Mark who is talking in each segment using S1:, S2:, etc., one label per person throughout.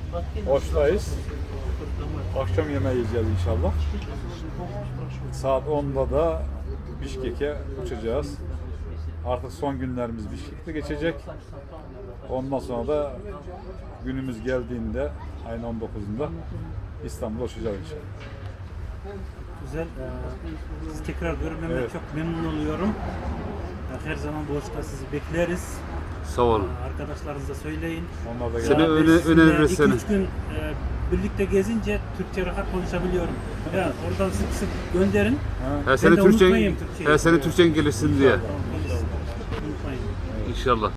S1: Oş'tayız. Akşam yemeği yiyeceğiz inşallah. Saat 10'da da Bişkek'e uçacağız. Artık son günlerimiz Bişkek'te geçecek. Ondan sonra da günümüz geldiğinde ayın 19'unda İstanbul'a uçacağız inşallah.
S2: Güzel. Sizi tekrar görmemden
S1: Evet.
S2: çok memnun oluyorum. Her zaman Boğaç'ta sizi bekleriz.
S3: Sağ olun.
S2: Arkadaşlarınıza söyleyin.
S1: Onlar da
S3: Seni
S1: geldi.
S3: öneririz seni.
S2: 2-3 gün birlikte gezince Türkçe rahat konuşabiliyorum. Ya oradan sık sık gönderin.
S3: He, seni
S2: de
S3: Türkçe,
S2: unutmayayım Türkçeyi.
S3: he, seni Türkçen gelirsin diye.
S2: Unutmayın.
S3: İnşallah.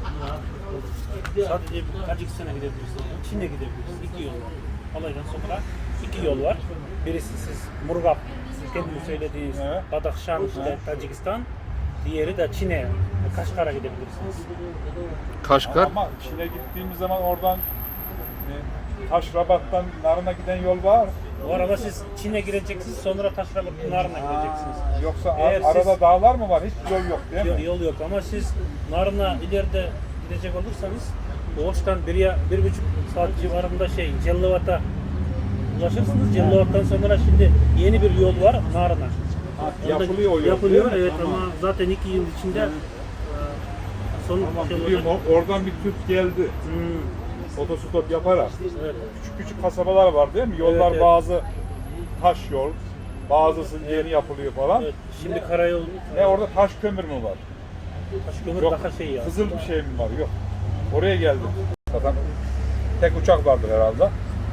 S2: Sadece Tacikistan'a gidebilirsiniz, Çin'e gidebilirsiniz. 2 yol var. Olaydan sonra 2 yol var. Birisi siz Murgab, siz kendiniz söylediğiniz
S1: Evet.
S2: Badakhşan, işte Tacikistan. Diğeri de Çin'e, Kaşgar'a gidebilirsiniz.
S3: Kaşgar.
S1: Ama Çin'e gittiğimiz zaman oradan Taşrabat'tan Narın'a giden yol var.
S2: Bu arada siz Çin'e gireceksiniz, sonra Taşrabat Narın'a gireceksiniz.
S1: Yoksa
S2: Eğer
S1: arada
S2: siz-
S1: dağlar mı var? Hiç yol yok değil mi?
S2: Yol yok ama siz Narın'a ileride gidecek olursanız Boğaç'tan 1,5 saat civarında Cellivat'a ulaşırsınız. Cellivat'tan sonra şimdi yeni bir yol var Narın'a.
S1: Yapılıyor o yol.
S2: Yapılıyor
S1: değil mi?
S2: evet ama zaten 2 yıl içinde son
S1: Tamam,
S2: şey
S1: biliyorum.
S2: olacak.
S1: Oradan bir Türk geldi. Otostop yaparak.
S2: Evet.
S1: Küçük küçük kasabalar var değil mi? Yollar
S2: Evet.
S1: bazı taş yol, bazısı yeni yapılıyor falan.
S2: Evet. Şimdi karayol
S1: Orada taş kömür mü var?
S2: Taşkömür
S1: Yok.
S2: daha şey ya.
S1: Kızıl bir şey mi var? Yok. Oraya geldim. Zaten tek uçak vardır herhalde.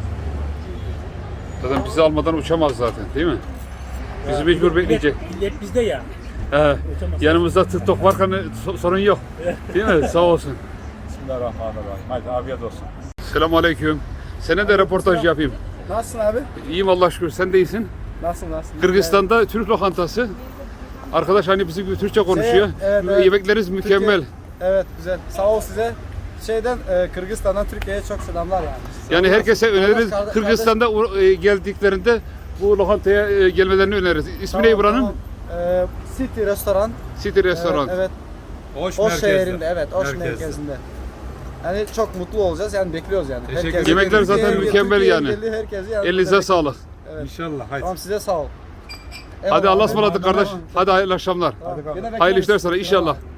S3: Zaten bizi almadan uçamaz zaten değil mi? Bizi mecbur bekleyecek.
S2: Millet bizde ya.
S3: He.
S2: Uçamaz.
S3: Yanımızda TikTok varken sorun yok. Değil mi? Sağ olsun.
S1: Bismillahirrahmanirrahim. Haydi afiyet olsun.
S3: Selamünaleyküm. Sana da röportaj yapayım.
S4: Nasılsın abi?
S3: İyiyim Allah'a şükür. Sen de iyisin.
S4: Nasılsın?
S3: Kırgızistan'da Türk lokantası. Arkadaş hani bizim gibi Türkçe konuşuyor.
S4: evet.
S3: Yemekleriniz mükemmel.
S4: Evet güzel. Sağ ol size. Kırgızistan'dan Türkiye'ye çok selamlar yani.
S3: Yani herkese öneririz.
S4: Kardeş-
S3: Kırgızistan'da geldiklerinde bu lokantaya gelmelerini öneririz. İsmi ne buranın?
S4: Tamam. City restoran.
S3: City Restoran.
S4: Evet. Oş şehrinde. Evet. Oş merkezinde. Yani çok mutlu olacağız. Yani bekliyoruz yani.
S1: Teşekkür
S4: Herkesi-
S3: ederim. Yemekler zaten
S4: Türkiye'ye-
S3: mükemmel
S4: Türkiye'ye
S3: yani.
S4: geldi, herkesi yani
S3: Elinize
S4: burada
S3: sağlık.
S4: Evet.
S1: İnşallah. Haydi.
S4: Tamam size sağ ol.
S3: Hadi Allah'a
S4: Eyvallah.
S3: ısmarladık kardeş. Hadi hayırlı akşamlar.
S4: Tamam. Gene
S3: Hayırlı
S4: bekleriz.
S3: işler sana inşallah.
S4: Tamam.